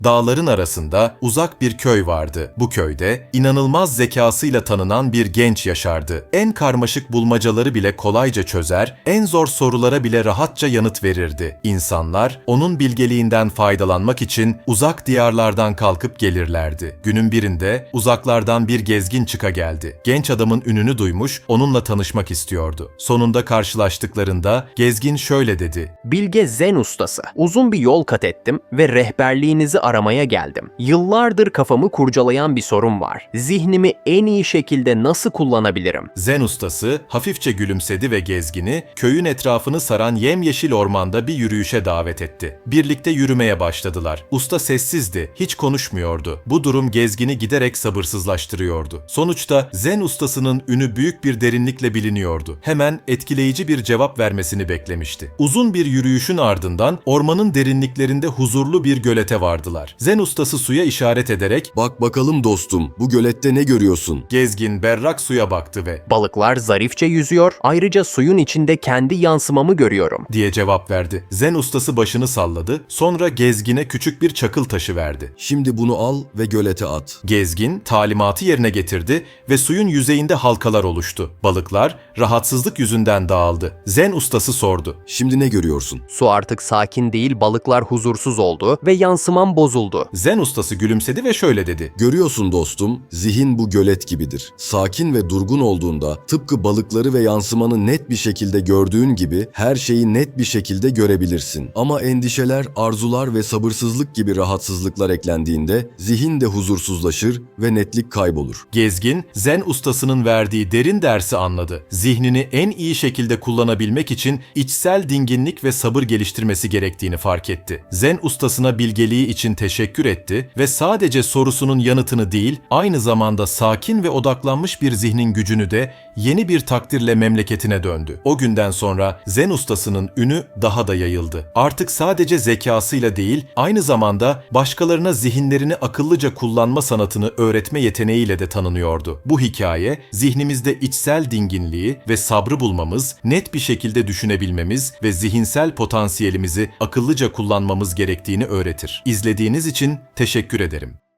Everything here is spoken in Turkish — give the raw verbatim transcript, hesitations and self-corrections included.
Dağların arasında uzak bir köy vardı. Bu köyde inanılmaz zekasıyla tanınan bir genç yaşardı. En karmaşık bulmacaları bile kolayca çözer, en zor sorulara bile rahatça yanıt verirdi. İnsanlar onun bilgeliğinden faydalanmak için uzak diyarlardan kalkıp gelirlerdi. Günün birinde uzaklardan bir gezgin çıka geldi. Genç adamın ününü duymuş, onunla tanışmak istiyordu. Sonunda karşılaştıklarında gezgin şöyle dedi: Bilge Zen ustası. Uzun bir yol kat ettim ve rehberliğinizi aramaya geldim. Yıllardır kafamı kurcalayan bir sorun var. Zihnimi en iyi şekilde nasıl kullanabilirim? Zen ustası hafifçe gülümsedi ve gezgini köyün etrafını saran yemyeşil ormanda bir yürüyüşe davet etti. Birlikte yürümeye başladılar. Usta sessizdi, hiç konuşmuyordu. Bu durum gezgini giderek sabırsızlaştırıyordu. Sonuçta Zen ustasının ünü büyük bir derinlikle biliniyordu. Hemen etkileyici bir cevap vermesini beklemişti. Uzun bir yürüyüşün ardından ormanın derinliklerinde huzurlu bir gölete vardılar. Zen ustası suya işaret ederek "Bak bakalım dostum, bu gölette ne görüyorsun?" gezgin berrak suya baktı ve Balıklar zarifçe yüzüyor, ayrıca suyun içinde kendi yansımamı görüyorum. diye cevap verdi. Zen ustası başını salladı, sonra gezgine küçük bir çakıl taşı verdi. "Şimdi bunu al ve gölete at." Gezgin talimatı yerine getirdi ve suyun yüzeyinde halkalar oluştu. Balıklar rahatsızlık yüzünden dağıldı. Zen ustası sordu: "Şimdi ne görüyorsun?" Su artık sakin değil, balıklar huzursuz oldu ve yansımam bozuldu. Zen ustası gülümsedi ve şöyle dedi: "Görüyorsun dostum, zihin bu gölet gibidir. Sakin ve durgun olduğunda tıpkı balıkları ve yansımanı net bir şekilde gördüğün gibi her şeyi net bir şekilde görebilirsin. Ama endişeler, arzular ve sabırsızlık gibi rahatsızlıklar eklendiğinde zihin de huzursuzlaşır ve netlik kaybolur." Gezgin, Zen ustasının verdiği derin dersi anladı. Zihnini en iyi şekilde kullanabilmek için içsel dinginlik ve sabır geliştirmesi gerektiğini fark etti. Zen ustasına bilgeliği için teşekkür etti ve sadece sorusunun yanıtını değil, aynı zamanda sakin ve odaklanmış bir zihnin gücünü de yeni bir takdirle memleketine döndü. O günden sonra Zen ustasının ünü daha da yayıldı. Artık sadece zekasıyla değil, aynı zamanda başkalarına zihinlerini akıllıca kullanma sanatını öğretme yeteneğiyle de tanınıyordu. Bu hikaye, zihnimizde içsel dinginliği ve sabrı bulmamız, net bir şekilde düşünebilmemiz ve zihinsel potansiyelimizi akıllıca kullanmamız gerektiğini öğretir. İzlediğiniz için teşekkür ederim.